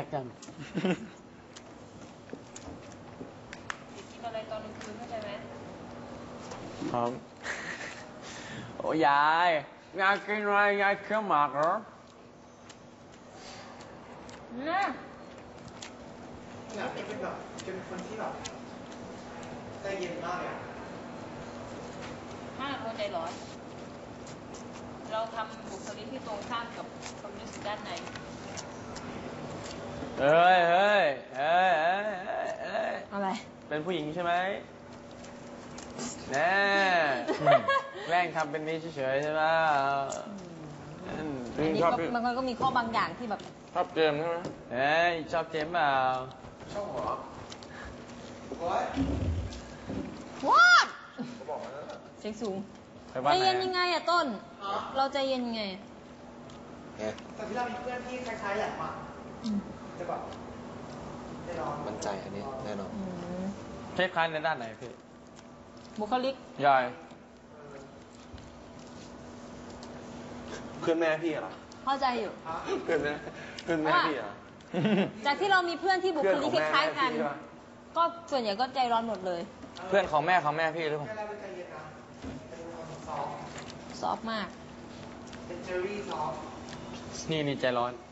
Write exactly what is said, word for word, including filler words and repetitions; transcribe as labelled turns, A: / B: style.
A: กกัน
B: กินอะไรตอนกลางคืนเข้าใจไหม
A: ครับโอ้ยายยายกินอะไรยายเคี้ยวหมากเหรอ
B: น่ะ
C: อยากเป็นแบบเป็นคนที่แบบใจเย็นมากเลยอ่ะ
B: ห้าเราใจร้อน เราทำบุคลิกที่ตรงข้ามกับความรู้สึกด้านใน
A: เฮ้ยเฮ้ยเฮ้ยเฮ้ยเฮ้ย
B: อะไร
A: เป็นผู้หญิงใช่ไหมแน่แกล้งทำเป็นนี้เฉยๆใช่ไหม
B: อันนี้ก็มันก็มีข้อบางอย่างที่แบบ
A: ชอบเกมใช่ไหมเฮ้ยชอบเกมเปล่า
C: ชอบหัวโอ๊ย
B: ว้าวเสียงสูงใจเย็นยังไงอะต้นเราใจเย็นยังไง
C: แต่ที่เรามีเพื่อนที่คล้ายๆแหลมอ่ะจะแบบจะลอง
D: มั่นใจอันนี้แน่นอน
A: คล้ายๆในด้านไหนพี่
B: บุคลิก
A: ยาย
D: เพื่อนแม่พี่เหรอ
B: เข้าใจอยู่
D: เพื่อนแม่เพื่อนแม่พี่เหรอ
B: จากที่เรามีเพื่อนที่บุคลิกคล้ายๆกันก็ส่วนใหญ่ก็ใจร้อนหมดเลย
A: เพื่อนของแม่ของแม่พี่หรือเปล่า
B: ซอฟมาก
C: เป็นเจอรี่ซอฟ
A: นี่นี่ใจร้อน